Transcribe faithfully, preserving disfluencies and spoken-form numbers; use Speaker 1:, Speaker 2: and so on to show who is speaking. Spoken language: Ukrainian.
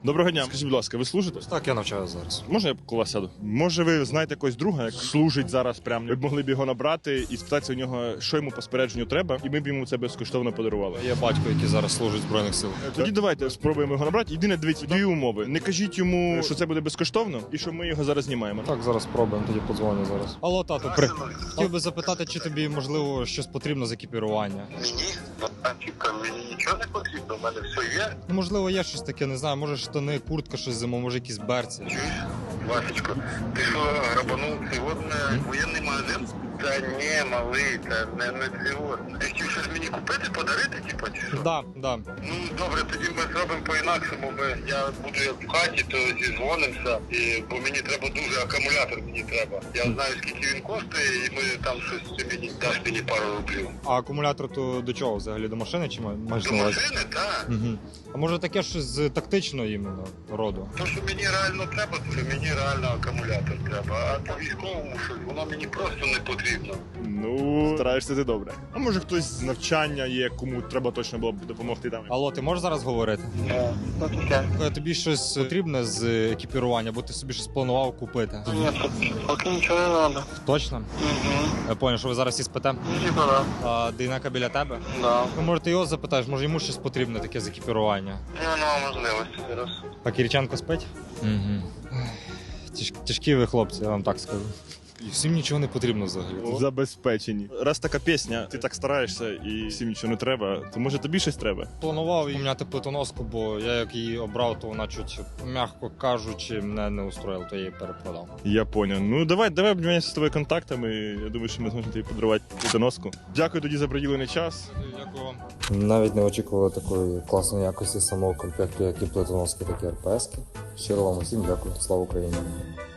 Speaker 1: Доброго дня. Скажіть, будь ласка, ви служите?
Speaker 2: Так, я навчаю зараз.
Speaker 1: Можна я коло вас сяду? Може, ви знаєте якогось друга, як служить зараз прямо? Ви б могли б його набрати і спитатися у нього, що йому по спорядженню треба, і ми б йому це безкоштовно подарували.
Speaker 2: Є батько, який зараз служить в Збройних силах.
Speaker 1: Тоді давайте спробуємо його набрати. Єдине, дивіться, дві умови. Не кажіть йому, що це буде безкоштовно, і що ми його зараз знімаємо.
Speaker 2: Так, зараз спробуємо, тоді подзвоню зараз. Алло, тату, при... хотів би запитати, чи тобі, можливо, щось потрібно з екіпірування?
Speaker 3: Мені? Типа, мені нічого не потрібно, в мене все є.
Speaker 2: Ну, можливо, є щось таке, не знаю, може штани, куртка, щось зиму, може якісь берці.
Speaker 3: Чуєш, Васечко, ти що, грабанув сьогодні воєнний магазин? Та ні, малий, та не, не сьогодні. Ти хотів щось мені купити, подарити, типа, чи що?
Speaker 2: Да, да.
Speaker 3: Ну, добре, тоді ми зробимо по-інакшому. Ми, я буду як в хаті, то зізвонимося, і, бо мені треба дуже, акумулятор мені треба. Я знаю, скільки він коштує, і ми там щось, ти мені даш мені пару рублів.
Speaker 2: А акумулятор то до чого взагалі? До машини чи ма- маєш
Speaker 3: До
Speaker 2: на увазі?
Speaker 3: машини, так.
Speaker 2: Угу. А може таке щось з тактичного іменно роду?
Speaker 3: То, що мені реально треба, то мені реально акумулятор треба. А по військовому щось, воно мені просто не потрібно.
Speaker 1: Ну, стараєшся ти добре. А може хтось з навчання є, кому треба точно було б допомогти там.
Speaker 2: Алло, ти можеш зараз говорити?
Speaker 3: Ну, таке.
Speaker 2: Е, Тобі щось потрібне з екіпірування, бо ти собі щось планував купити?
Speaker 3: Ні, поки нічого не треба.
Speaker 2: Точно?
Speaker 3: Угу.
Speaker 2: Я понял, що ви зараз всі спите.
Speaker 3: Типа, да.
Speaker 2: А Дейнека біля тебе?
Speaker 3: Да.
Speaker 2: Ну, може, ти його запитаєш, може йому щось потрібне таке з екіпірування.
Speaker 3: Я не маю можливості зараз.
Speaker 2: А Кириченко спить? Угу. Тяж, тяжкі ви хлопці, я вам так скажу. І всім нічого не потрібно взагалі.
Speaker 1: Забезпечені. Раз така пісня, ти так стараєшся і всім нічого не треба, то може тобі щось треба?
Speaker 2: Планував поміняти плитоноску, бо я як її обрав, то вона чуть, м'яко кажучи, мене не устроїла, то я її перепродав.
Speaker 1: Я поняв. Ну давай, давай обміняємося з тобою контактами. Я думаю, що ми зможемо тобі подарувати плитоноску. Дякую тоді за приділений час.
Speaker 2: Дякую вам.
Speaker 4: Навіть не очікували такої класної якості самого комплекту, як і плитоноски, так і РПСки. Щиро вам усім дякую. Слава Україні!